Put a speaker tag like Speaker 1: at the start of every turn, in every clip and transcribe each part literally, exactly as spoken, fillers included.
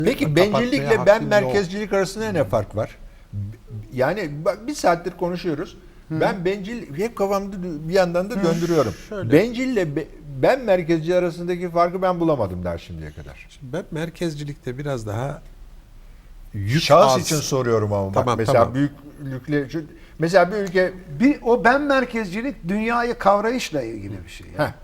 Speaker 1: Peki bencillikle ben merkezcilik arasında ne fark var? Yani bak bir saattir konuşuyoruz. Hı. Ben bencil hep kafamda bir yandan da döndürüyorum. Şöyle. Bencille be, ben merkezci arasındaki farkı ben bulamadım der şimdiye kadar.
Speaker 2: Şimdi ben merkezcilikte biraz daha yük
Speaker 1: şahıs
Speaker 2: az.
Speaker 1: için soruyorum ama
Speaker 2: tamam,
Speaker 1: bak mesela
Speaker 2: tamam.
Speaker 1: büyüklükle mesela bir ülke
Speaker 3: bir o ben merkezcilik dünyayı kavrayışla ilgili bir şey. Yani.
Speaker 1: Heh.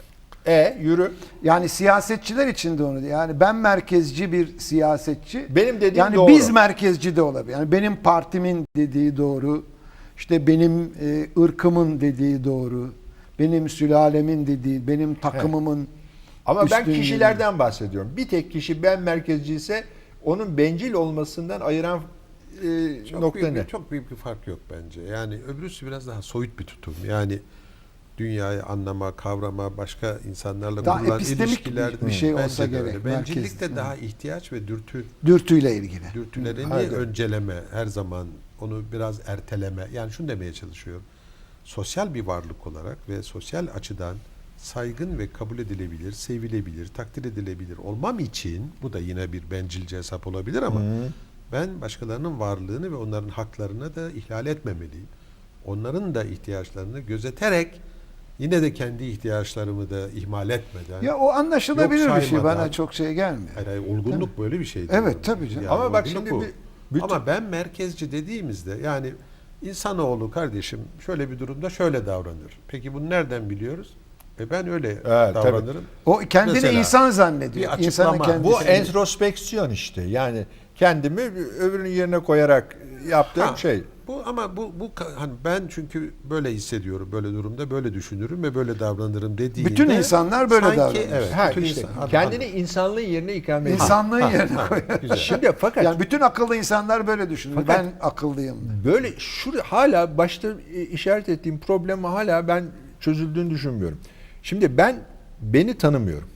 Speaker 1: E yürü.
Speaker 3: Yani siyasetçiler için de onu. Yani ben merkezci bir siyasetçi.
Speaker 1: Benim dediğim
Speaker 3: yani
Speaker 1: doğru.
Speaker 3: biz merkezci de olabilir. Yani benim partimin dediği doğru. İşte benim e, ırkımın dediği doğru. Benim sülalemin dediği, benim takımımın
Speaker 1: He. Ama ben
Speaker 3: üstünlüğü.
Speaker 1: kişilerden bahsediyorum. Bir tek kişi ben merkezci ise onun bencil olmasından ayıran e,
Speaker 2: çok
Speaker 1: nokta
Speaker 2: büyük
Speaker 1: ne?
Speaker 2: Bir, çok büyük bir fark yok bence. Yani öbürüsü biraz daha soyut bir tutum. Yani dünyayı anlama, kavrama, başka insanlarla
Speaker 3: daha
Speaker 2: kurulan
Speaker 3: epistemik
Speaker 2: ilişkiler
Speaker 3: bir şey
Speaker 2: bence
Speaker 3: olsa
Speaker 2: de
Speaker 3: gerek.
Speaker 2: öyle. Bencillik de
Speaker 3: Merkez,
Speaker 2: daha ihtiyaç ve dürtü
Speaker 3: dürtüyle ilgili.
Speaker 2: dürtülerini
Speaker 1: Hayır.
Speaker 2: önceleme, her zaman onu biraz erteleme. Yani şunu demeye çalışıyorum. Sosyal bir varlık olarak ve sosyal açıdan saygın ve kabul edilebilir, sevilebilir, takdir edilebilir olmam için, bu da yine bir bencilce hesap olabilir ama Hı. ben başkalarının varlığını ve onların haklarını da ihlal etmemeliyim. Onların da ihtiyaçlarını gözeterek yine de kendi ihtiyaçlarımı da ihmal etmeden.
Speaker 3: Ya o anlaşılabilir bir şey, bana
Speaker 2: saymadan,
Speaker 3: çok şey gelmiyor.
Speaker 2: Hayır, hayır, olgunluk böyle bir şey.
Speaker 3: Evet tabii canım.
Speaker 2: Yani
Speaker 1: ama bak
Speaker 2: olgunluk
Speaker 1: şimdi
Speaker 2: bu.
Speaker 1: bir, bütün...
Speaker 2: Ama ben merkezci dediğimizde yani insanoğlu kardeşim şöyle bir durumda şöyle davranır. Peki bunu nereden biliyoruz? E ben öyle
Speaker 1: evet,
Speaker 2: davranırım.
Speaker 1: Tabii.
Speaker 3: O kendini
Speaker 2: Mesela,
Speaker 3: insan zannediyor.
Speaker 2: bir
Speaker 3: İnsanın
Speaker 2: açıklama.
Speaker 3: kendisi.
Speaker 1: Bu entrospeksiyon işte. Yani kendimi öbürünün yerine koyarak yaptığım
Speaker 2: Ha,
Speaker 1: şey.
Speaker 2: Bu ama bu bu hani ben çünkü böyle hissediyorum, böyle durumda böyle düşünürüm ve böyle davranırım dediğinde
Speaker 3: bütün insanlar böyle
Speaker 2: sanki,
Speaker 3: davranır.
Speaker 2: Evet,
Speaker 1: Ha,
Speaker 2: bütün
Speaker 1: işte,
Speaker 2: insan,
Speaker 1: kendini insanlığın yerine ikame ediyor.
Speaker 3: İnsanlığın
Speaker 2: Ha,
Speaker 3: yerine
Speaker 2: ha,
Speaker 3: koyuyor.
Speaker 2: güzel.
Speaker 1: Şimdi fakat
Speaker 3: Yani bütün akıllı insanlar böyle düşünür.
Speaker 1: Fakat-
Speaker 3: Ben akıllıyım.
Speaker 1: böyle şu hala başta işaret ettiğim problemi hala ben çözüldüğünü düşünmüyorum. Şimdi ben beni tanımıyorum.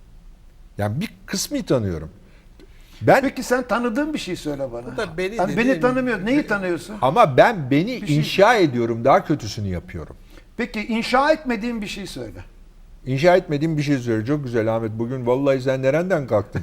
Speaker 1: Yani bir kısmı tanıyorum. Ben
Speaker 3: Peki sen tanıdığın bir şey söyle bana.
Speaker 2: Bu da beni
Speaker 3: Yani
Speaker 2: dediğin-
Speaker 3: beni tanımıyor. Neyi tanıyorsun?
Speaker 1: ama ben beni
Speaker 3: şey-
Speaker 1: inşa ediyorum, daha kötüsünü yapıyorum.
Speaker 3: Peki inşa etmediğin bir şey söyle.
Speaker 1: İnşa etmediğim bir şey söyle. Çok güzel Ahmet. Bugün vallahi sen nereden kalktın?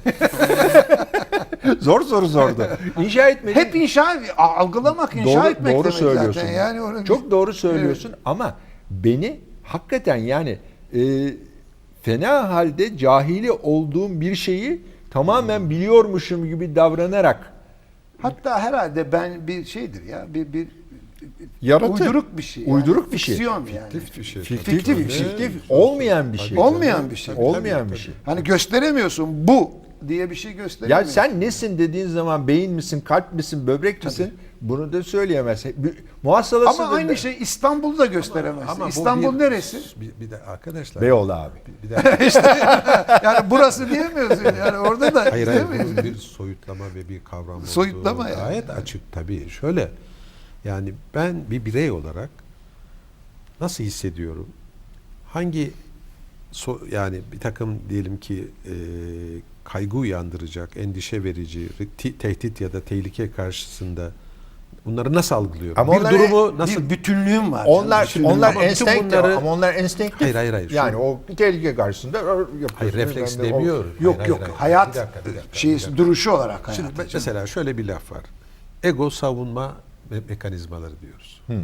Speaker 1: Zor soru sordu. İnşa etmediğim...
Speaker 3: Hep inşa, algılamak, inşa
Speaker 1: doğru,
Speaker 3: etmek
Speaker 1: doğru
Speaker 3: demek
Speaker 1: söylüyorsun.
Speaker 3: zaten. Yani onu
Speaker 1: Çok doğru söylüyorsun ama beni hakikaten yani e, fena halde cahili olduğum bir şeyi tamamen biliyormuşum gibi davranarak
Speaker 3: Hatta herhalde ben bir şeydir ya, bir bir
Speaker 1: Yaratı.
Speaker 3: uyduruk bir şey. Yani.
Speaker 1: Uyduruk bir şey.
Speaker 3: Fiksiyon yani.
Speaker 2: Fiktif bir şey.
Speaker 1: fiktif,
Speaker 3: Fiktif
Speaker 1: fiktif,
Speaker 3: bir şey.
Speaker 1: fiktif, olmayan bir şey.
Speaker 3: Olmayan bir şey.
Speaker 2: Tabii, tabii,
Speaker 1: Olmayan
Speaker 2: tabii.
Speaker 1: bir şey.
Speaker 3: Hani gösteremiyorsun bu diye bir şey
Speaker 1: Ya
Speaker 3: gösteremiyorsun.
Speaker 1: sen nesin dediğin zaman beyin misin, kalp misin, böbrek misin? Bunu da söyleyemezsin. Muhasalasıdır.
Speaker 3: Ama aynı şey İstanbul'u da gösteremezsin.
Speaker 2: Ama bu
Speaker 3: İstanbul
Speaker 2: bir-
Speaker 3: neresi?
Speaker 2: Bir, bir de arkadaşlar.
Speaker 1: Beyoğlu abi.
Speaker 2: Bir de
Speaker 3: Yani burası diyemiyorsun. Yani orada da
Speaker 2: hayır hayır
Speaker 3: diyemiyorsun.
Speaker 2: bunun bir soyutlama ve bir kavram olduğu
Speaker 3: Soyutlama yani.
Speaker 2: gayet açık tabii. Şöyle yani ben bir birey olarak nasıl hissediyorum? Hangi so, yani bir takım diyelim ki e, kaygı uyandıracak, endişe verici, te- tehdit ya da tehlike karşısında bunları nasıl algılıyorum?
Speaker 1: Ama
Speaker 2: bir
Speaker 1: onlar-
Speaker 2: durumu nasıl
Speaker 3: Bir bütünlüğüm var.
Speaker 1: Onlar
Speaker 3: Bütünlüğüm.
Speaker 1: onlar
Speaker 2: Ama bütün
Speaker 1: enstenktif
Speaker 2: bunları-
Speaker 1: ama onlar enstenktif.
Speaker 2: Hayır, hayır, hayır. Şu-
Speaker 1: Yani o tehlike karşısında yapıyorsun.
Speaker 2: hayır refleks
Speaker 1: Ben de o-
Speaker 2: demiyorum.
Speaker 3: Yok
Speaker 2: Hayır,
Speaker 3: yok
Speaker 2: hayır, hayır.
Speaker 3: hayat
Speaker 2: Bir dakika, bir dakika, bir
Speaker 3: şeysi
Speaker 2: dakika.
Speaker 3: duruşu olarak hayat.
Speaker 2: Şimdi mesela şöyle bir laf var. Ego savunma me- mekanizmaları diyoruz.
Speaker 1: Hı.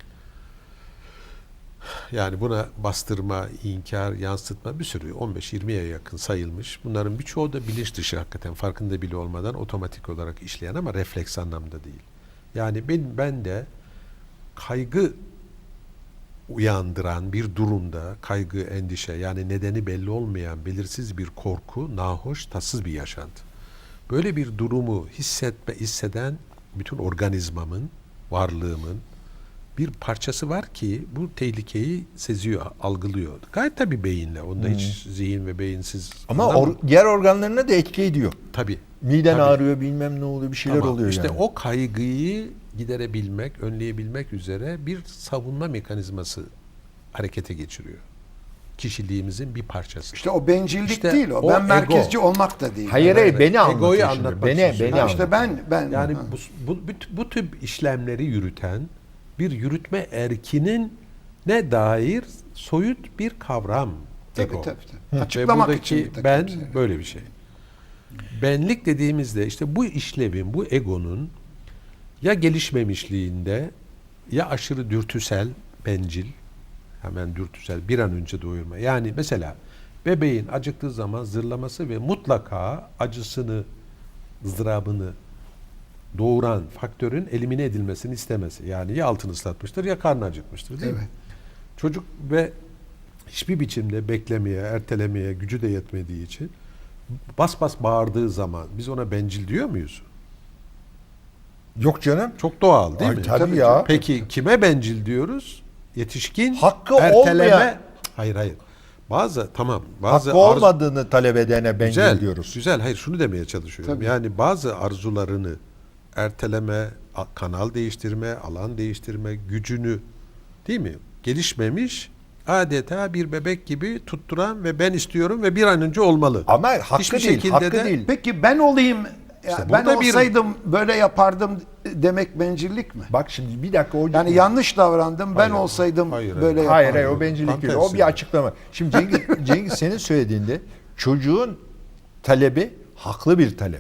Speaker 2: Yani buna bastırma, inkar, yansıtma bir sürü on beş yirmiye yakın sayılmış. Bunların birçoğu da bilinç dışı hakikaten farkında bile olmadan otomatik olarak işleyen ama refleks anlamda değil. Yani ben, ben de kaygı uyandıran bir durumda kaygı, endişe yani nedeni belli olmayan belirsiz bir korku, nahoş, tatsız bir yaşantı. Böyle bir durumu hissetme, hisseden bütün organizmamın, varlığımın bir parçası var ki bu tehlikeyi seziyor, algılıyor. Gayet tabii beyinle. Onda
Speaker 1: Hmm.
Speaker 2: hiç zihin ve beyinsiz.
Speaker 1: Ama
Speaker 2: anlam-
Speaker 1: or, diğer organlarına da etki ediyor.
Speaker 2: tabii.
Speaker 1: Miden
Speaker 2: Tabii.
Speaker 1: ağrıyor, bilmem ne oluyor, bir şeyler
Speaker 2: Tamam.
Speaker 1: oluyor
Speaker 2: İşte
Speaker 1: yani.
Speaker 2: o kaygıyı giderebilmek, önleyebilmek üzere bir savunma mekanizması harekete geçiriyor. Kişiliğimizin bir parçası.
Speaker 3: İşte o bencillik
Speaker 2: İşte
Speaker 3: değil o.
Speaker 2: o
Speaker 3: Ben
Speaker 2: ego.
Speaker 3: merkezci olmak da değil.
Speaker 1: Hayır
Speaker 2: Evet,
Speaker 1: hayır
Speaker 2: evet.
Speaker 1: beni
Speaker 2: Egoyu
Speaker 1: anlatıyor şimdi.
Speaker 2: anlatmak
Speaker 1: Beni,
Speaker 2: için
Speaker 1: beni
Speaker 2: söylüyorum.
Speaker 3: Ha, işte
Speaker 1: anlatıyor.
Speaker 3: ben ben
Speaker 2: Yani
Speaker 3: ha.
Speaker 2: bu, bu, bu, bu tip işlemleri yürüten bir yürütme erkinin ne dair soyut bir kavram.
Speaker 3: Tabii,
Speaker 2: ego.
Speaker 3: tabii, tabii.
Speaker 2: Ve
Speaker 3: Açıklamak
Speaker 2: buradaki
Speaker 3: için bir takım
Speaker 2: ben
Speaker 3: şeyler.
Speaker 2: böyle bir şey. benlik dediğimizde işte bu işlevin, bu egonun ya gelişmemişliğinde ya aşırı dürtüsel, bencil, hemen dürtüsel bir an önce doyurma. Yani mesela bebeğin acıktığı zaman zırlaması ve mutlaka acısını, ızdırabını doğuran faktörün elimine edilmesini istemesi. Yani ya altını ıslatmıştır ya karnı acıkmıştır, değil
Speaker 3: Evet.
Speaker 2: mi? Çocuk ve hiçbir biçimde beklemeye, ertelemeye gücü de yetmediği için bas bas bağırdığı zaman biz ona bencil diyor muyuz?
Speaker 1: Yok canım.
Speaker 2: Çok doğal değil
Speaker 1: Ay,
Speaker 2: mi?
Speaker 1: tabii ya.
Speaker 2: Peki kime bencil diyoruz? Yetişkin,
Speaker 1: Hakkı
Speaker 2: erteleme.
Speaker 1: olmayan-
Speaker 2: Hayır hayır. Bazı tamam. Bazı
Speaker 1: Hakkı
Speaker 2: arzu-
Speaker 1: olmadığını talep edene bencil
Speaker 2: güzel,
Speaker 1: diyoruz.
Speaker 2: Güzel. Hayır şunu demeye çalışıyorum.
Speaker 3: Tabii.
Speaker 2: Yani bazı arzularını erteleme, a- kanal değiştirme, alan değiştirme gücünü, değil mi? Gelişmemiş, adeta bir bebek gibi tutturan ve ben istiyorum ve bir an önce olmalı.
Speaker 1: Ama hakkı
Speaker 2: Hiçbir
Speaker 1: değil,
Speaker 2: şekilde
Speaker 1: hakkı
Speaker 2: de-
Speaker 1: değil.
Speaker 3: Peki ben olayım, ya
Speaker 2: İşte
Speaker 3: ben
Speaker 2: burada bir-
Speaker 3: olsaydım böyle yapardım demek bencillik mi?
Speaker 1: Bak şimdi bir dakika o
Speaker 3: Yani yanlış davrandım, ben
Speaker 2: Hayır,
Speaker 3: olsaydım
Speaker 2: hayır,
Speaker 3: böyle
Speaker 2: hayır.
Speaker 1: Hayır
Speaker 3: yapardım.
Speaker 1: hayır o bencillik
Speaker 2: Tam
Speaker 1: değil. O
Speaker 2: tersi.
Speaker 1: bir açıklama. Şimdi Cengiz, Cengiz senin söylediğinde çocuğun talebi haklı bir talep.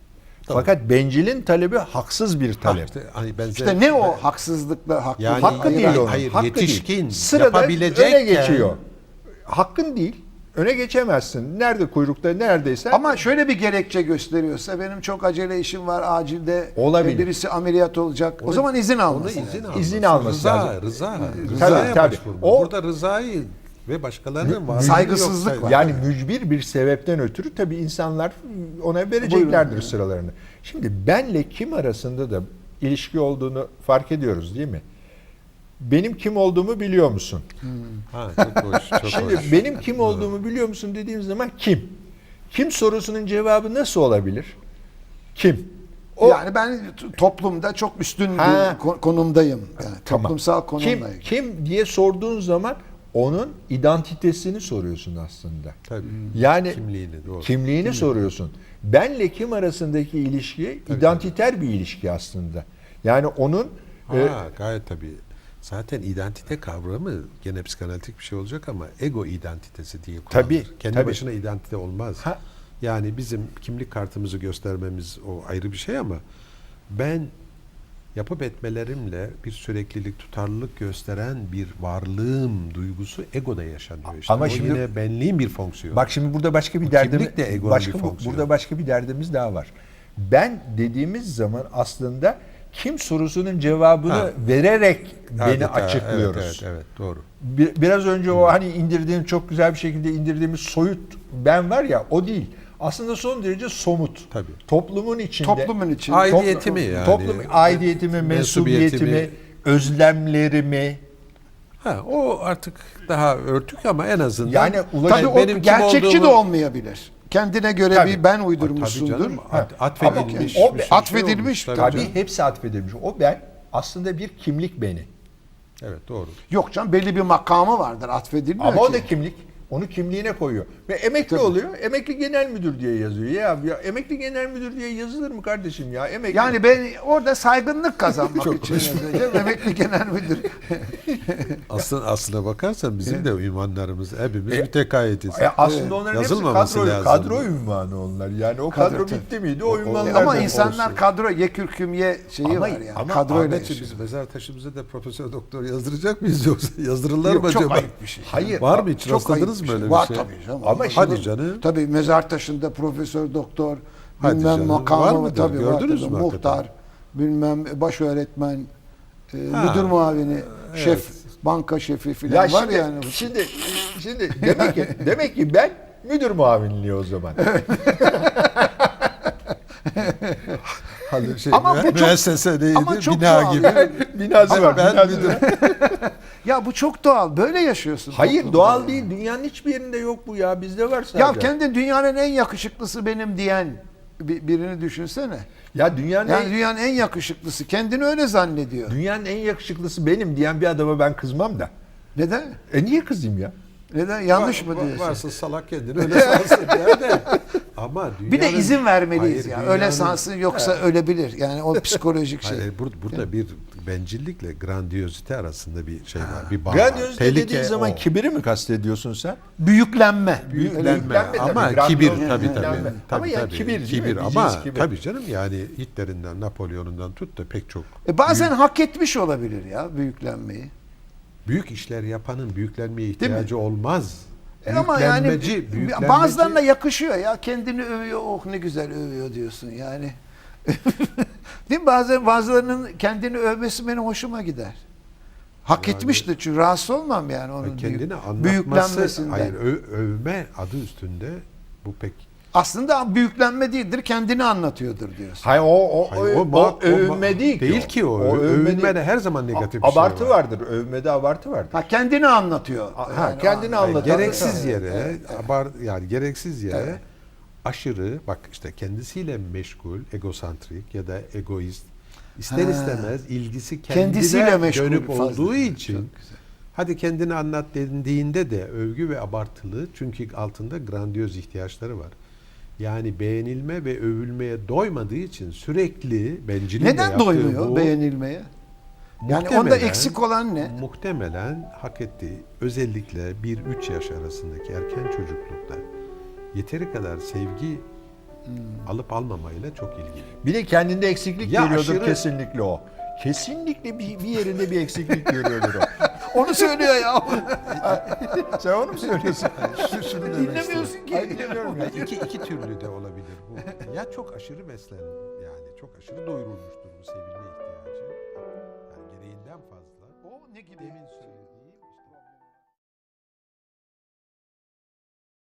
Speaker 1: Fakat bencilin talebi haksız bir
Speaker 2: Ha,
Speaker 1: talep.
Speaker 2: işte, hani benzer-
Speaker 3: İşte ne o haksızlıkla haklı?
Speaker 2: Yani-
Speaker 1: Hakkı
Speaker 2: Hayır,
Speaker 1: değil
Speaker 2: hayır,
Speaker 1: onun.
Speaker 2: hayır,
Speaker 1: Hakkı
Speaker 2: yetişkin,
Speaker 1: değil. Sırada
Speaker 2: yapabilecekken-
Speaker 1: öne geçiyor. Hakkın değil. Öne geçemezsin. Nerede kuyrukta neredeyse.
Speaker 3: Ama şöyle bir gerekçe gösteriyorsa benim çok acele işim var acilde
Speaker 1: Olabilir.
Speaker 3: birisi ameliyat olacak. o zaman izin
Speaker 2: Ona
Speaker 3: alması.
Speaker 2: izin
Speaker 3: lazım.
Speaker 2: alması.
Speaker 1: İzin alması
Speaker 2: rıza,
Speaker 1: lazım.
Speaker 2: Rıza,
Speaker 1: Tabii,
Speaker 2: rızaya
Speaker 1: tabii.
Speaker 2: başvurma.
Speaker 1: O-
Speaker 2: Burada rızayı ve başkalarının var.
Speaker 3: Saygısızlık var.
Speaker 1: Yani mücbir bir sebepten ötürü tabii insanlar ona vereceklerdir
Speaker 3: Buyurun.
Speaker 1: sıralarını. Şimdi benle kim arasında da ilişki olduğunu fark ediyoruz değil mi? Benim kim olduğumu biliyor musun?
Speaker 2: Ha, çok hoş, çok
Speaker 1: Şimdi
Speaker 2: hoş.
Speaker 1: benim kim olduğumu biliyor musun dediğim zaman kim? Kim sorusunun cevabı nasıl olabilir? Kim? O
Speaker 3: Yani ben t- toplumda çok üstün
Speaker 1: Ha.
Speaker 3: bir ko- konumdayım. Yani
Speaker 1: Tamam.
Speaker 3: toplumsal
Speaker 1: kim
Speaker 3: konumdayım.
Speaker 1: kim diye sorduğun zaman onun identitesini soruyorsun aslında.
Speaker 2: Tabii.
Speaker 1: Yani
Speaker 2: Kimliğini, doğru.
Speaker 1: kimliğini soruyorsun. Benle kim arasındaki ilişki identiter bir ilişki aslında. Yani onun
Speaker 2: Ha,
Speaker 1: e,
Speaker 2: gayet tabii. Zaten identite kavramı gene psikanalitik bir şey olacak ama ego identitesi diye kullanılır.
Speaker 1: Tabii,
Speaker 2: Kendi
Speaker 1: tabii.
Speaker 2: başına identite olmaz.
Speaker 1: Ha.
Speaker 2: Yani bizim kimlik kartımızı göstermemiz o ayrı bir şey ama ben yapıp etmelerimle bir süreklilik, tutarlılık gösteren bir varlığım duygusu egoda yaşanıyor. İşte
Speaker 1: Ama
Speaker 2: o
Speaker 1: şimdi-
Speaker 2: yine benliğin bir fonksiyonu.
Speaker 1: bak şimdi burada başka bir
Speaker 2: Bu
Speaker 1: derdimiz
Speaker 2: kimlik de egonun
Speaker 1: başka
Speaker 2: bir
Speaker 1: bu-
Speaker 2: fonksiyonu.
Speaker 1: burada başka bir derdimiz daha var. Ben dediğimiz zaman aslında kim sorusunun cevabını
Speaker 2: Ha.
Speaker 1: vererek beni
Speaker 2: Adeta,
Speaker 1: açıklıyoruz.
Speaker 2: Evet, evet, evet, doğru.
Speaker 1: Bir- Biraz önce o hani indirdiğim çok güzel bir şekilde indirdiğimiz soyut ben var ya o değil. Aslında son derece somut.
Speaker 2: Tabii.
Speaker 1: Toplumun içinde.
Speaker 3: Toplumun için.
Speaker 2: Aidiyetimi
Speaker 1: Toplum-
Speaker 2: yani.
Speaker 1: Toplum aidiyetimi,
Speaker 2: Mensubiyetimi.
Speaker 1: mensubiyetimi, özlemlerimi.
Speaker 2: Ha, o artık daha örtük ama en azından
Speaker 1: Yani ulaş-
Speaker 3: Tabii o
Speaker 2: benim kim
Speaker 3: gerçekçi de
Speaker 2: olduğumu-
Speaker 3: olmayabilir. Kendine göre
Speaker 1: Tabii.
Speaker 3: bir ben
Speaker 2: Tabii
Speaker 3: uydurmuşsundur.
Speaker 2: canım, at-
Speaker 1: Ha.
Speaker 2: atfedilmiş.
Speaker 1: Ama o-
Speaker 2: bir şey
Speaker 3: atfedilmiş,
Speaker 2: olmuş.
Speaker 3: tabii
Speaker 1: Tabii
Speaker 3: canım.
Speaker 1: hepsi atfedilmiş. O ben aslında bir kimlik beni.
Speaker 2: Evet, doğru.
Speaker 3: Yok canım belli bir makamı vardır atfedilmiyor
Speaker 1: Ama o
Speaker 3: ki.
Speaker 1: da kimlik. Onu kimliğine koyuyor. Ve emekli oluyor. Emekli genel müdür diye yazıyor. Ya, ya emekli genel müdür diye yazılır mı kardeşim ya? Emekli.
Speaker 3: Yani ben orada saygınlık kazanmak için yazıyorum. Emekli genel müdür.
Speaker 2: Aslında aslına bakarsan bizim de ünvanlarımız hepimiz
Speaker 1: E,
Speaker 2: mütekayyetiz.
Speaker 1: E aslında onların hepsi
Speaker 2: Yazılmaması
Speaker 1: kadro,
Speaker 2: lazım.
Speaker 1: kadro ünvanı onlar. Yani o kadro,
Speaker 3: Kadro, tabii.
Speaker 1: bitti miydi o ünvanlar
Speaker 3: Ama
Speaker 1: da
Speaker 3: insanlar
Speaker 1: olsun.
Speaker 3: kadro ye kürküm ye şeyi
Speaker 1: Ama-
Speaker 3: var yani.
Speaker 1: ama
Speaker 3: Kadroyla
Speaker 2: Ahmetciğim
Speaker 3: yaşıyor.
Speaker 2: biz mezar taşımıza da profesör doktor yazdıracak mıyız yoksa yazdırırlar
Speaker 3: Yok,
Speaker 2: mı
Speaker 3: çok
Speaker 2: acaba?
Speaker 3: ayıp bir şey.
Speaker 1: Hayır.
Speaker 2: Var mı hiç
Speaker 3: Çok
Speaker 2: rastladınız
Speaker 3: ayıp
Speaker 2: mı
Speaker 3: bir
Speaker 2: öyle
Speaker 3: şey.
Speaker 2: bir
Speaker 3: Var
Speaker 2: şey?
Speaker 3: tabii canım.
Speaker 1: Ama
Speaker 3: Olur.
Speaker 2: Hadi canım.
Speaker 3: Tabii mezar taşında profesör doktor
Speaker 2: Hadi
Speaker 3: bilmem
Speaker 2: canım. Var
Speaker 3: makamı
Speaker 2: mıdır?
Speaker 3: tabii var
Speaker 2: Gördünüz
Speaker 3: tabii.
Speaker 2: mü
Speaker 3: Muhtar
Speaker 2: hakikaten?
Speaker 3: bilmem baş öğretmen e,
Speaker 2: Ha,
Speaker 3: müdür muavini
Speaker 2: evet.
Speaker 3: şef banka şefi
Speaker 1: Ya
Speaker 3: filan var
Speaker 1: şimdi,
Speaker 3: yani.
Speaker 1: şimdi şimdi demek ki demek ki ben müdür muavinliği o zaman.
Speaker 2: Hadi şey,
Speaker 3: Ama bu
Speaker 2: müe-
Speaker 3: çok-
Speaker 2: müessese neydi?
Speaker 3: ama çok
Speaker 2: Bina
Speaker 3: doğal.
Speaker 2: gibi.
Speaker 1: Binası
Speaker 2: Ama
Speaker 1: var.
Speaker 2: ben
Speaker 1: binası
Speaker 2: müdür.
Speaker 1: var.
Speaker 3: Ya bu çok doğal. Böyle yaşıyorsun.
Speaker 1: Hayır
Speaker 3: toplumda
Speaker 1: doğal
Speaker 3: yani.
Speaker 1: değil. Dünyanın hiçbir yerinde yok bu ya. Bizde var sadece.
Speaker 3: Ya kendi dünyanın en yakışıklısı benim diyen bir- birini düşünsene.
Speaker 1: Ya dünyanın
Speaker 3: Yani
Speaker 1: en,
Speaker 3: dünyanın en yakışıklısı kendini öyle zannediyor.
Speaker 1: dünyanın en yakışıklısı benim diyen bir adama ben kızmam da.
Speaker 3: Neden?
Speaker 1: E niye kızayım ya?
Speaker 3: Neden? Yanlış
Speaker 2: Var-
Speaker 3: mı diyorsun?
Speaker 2: Varsın salak kendini öyle sansın der de. Ama
Speaker 3: Bir de
Speaker 2: dünyanın-
Speaker 3: izin vermeliyiz
Speaker 2: Hayır,
Speaker 3: ya. Öyle
Speaker 2: dünyanın-
Speaker 3: sansın yoksa ölebilir. Yani o psikolojik şey.
Speaker 2: Hayır, bur- burada bir bencillikle grandiyozite arasında bir şey var. Bir bağ var.
Speaker 1: Grandiozite
Speaker 2: Tehlike
Speaker 1: dediğin zaman
Speaker 2: o.
Speaker 1: kibiri mi kastediyorsun sen?
Speaker 3: Büyüklenme.
Speaker 2: Büyüklenme
Speaker 1: Büyüklenme
Speaker 2: ama
Speaker 1: tabii,
Speaker 2: kibir
Speaker 1: grandiyoz
Speaker 2: tabii
Speaker 1: büyüklenme.
Speaker 2: tabii.
Speaker 1: Ama
Speaker 2: Tabii,
Speaker 1: yani
Speaker 2: tabii.
Speaker 1: kibir değil mi?
Speaker 2: Kibir
Speaker 1: Diyeceğiz
Speaker 2: ama
Speaker 1: kibir.
Speaker 2: tabii canım yani Hitler'inden, Napolyon'undan tut da pek çok
Speaker 3: E bazen hak etmiş olabilir ya büyüklenmeyi.
Speaker 2: büyük işler yapanın büyüklenmeye ihtiyacı olmaz.
Speaker 3: E ama yani
Speaker 2: Büyüklenmeci- büyüklenmeci-
Speaker 3: bazılarına yakışıyor ya. Kendini övüyor. Oh ne güzel övüyor diyorsun yani. Değil mi? Bazen bazılarının kendini övmesi benim hoşuma gider. Hak
Speaker 2: Yani-
Speaker 3: etmiştir çünkü rahatsız olmam yani onun
Speaker 2: kendini
Speaker 3: büyük-
Speaker 2: anlatması,
Speaker 3: büyüklenmesinden.
Speaker 2: hayır ö- övme adı üstünde bu pek
Speaker 3: Aslında büyüklenme değildir, kendini anlatıyordur diyorsun.
Speaker 1: Hayır o o,
Speaker 2: Hayır,
Speaker 1: o,
Speaker 2: o ma-
Speaker 1: o övünme
Speaker 2: o ma-
Speaker 1: değil ki.
Speaker 2: değil ki o. Ö-
Speaker 1: övünme
Speaker 2: övünmede
Speaker 1: değil.
Speaker 2: her zaman negatif
Speaker 1: A-
Speaker 2: bir şey
Speaker 1: abartı
Speaker 2: var.
Speaker 1: vardır. Övmede abartı vardır.
Speaker 3: Ha kendini anlatıyor.
Speaker 1: Ha,
Speaker 3: Yani
Speaker 1: kendini
Speaker 3: o-
Speaker 2: Hayır,
Speaker 1: anlatan-
Speaker 2: gereksiz
Speaker 1: Evet,
Speaker 2: yere
Speaker 3: evet,
Speaker 2: abar yani gereksiz yere
Speaker 3: Evet.
Speaker 2: aşırı bak işte kendisiyle meşgul, egosantrik ya da egoist ister
Speaker 3: Ha.
Speaker 2: istemez ilgisi kendine
Speaker 3: Kendisiyle meşgul
Speaker 2: dönüp
Speaker 3: fazla.
Speaker 2: olduğu için
Speaker 3: Çok güzel.
Speaker 2: hadi kendini anlat dendiğinde de övgü ve abartılı çünkü altında grandiyoz ihtiyaçları var. Yani beğenilme ve övülmeye doymadığı için sürekli bencilin de
Speaker 3: Neden
Speaker 2: yaptığı
Speaker 3: doymuyor
Speaker 2: bu,
Speaker 3: beğenilmeye? Yani onda
Speaker 2: muhtemelen-
Speaker 3: eksik olan ne?
Speaker 2: Muhtemelen hak ettiği özellikle bir üç yaş arasındaki erken çocuklukta yeteri kadar sevgi alıp almamayla çok ilgili.
Speaker 1: Bir de kendinde eksiklik
Speaker 2: Ya
Speaker 1: görüyordur
Speaker 2: aşırı-
Speaker 1: kesinlikle o. Kesinlikle bir, bir yerinde bir eksiklik görüyordur o.
Speaker 3: Onu söylüyor ya.
Speaker 1: Sen onu mu söylüyorsun?
Speaker 3: Dinlemiyorsun ki.
Speaker 1: Hayır, dinliyorum ya.
Speaker 2: iki, iki türlü de olabilir bu. Ya çok aşırı beslen yani çok aşırı doyurulmuştur bu sevilme ihtiyacı. Yani gereğinden fazla.
Speaker 3: O ne gibi?
Speaker 2: Demin söylediğim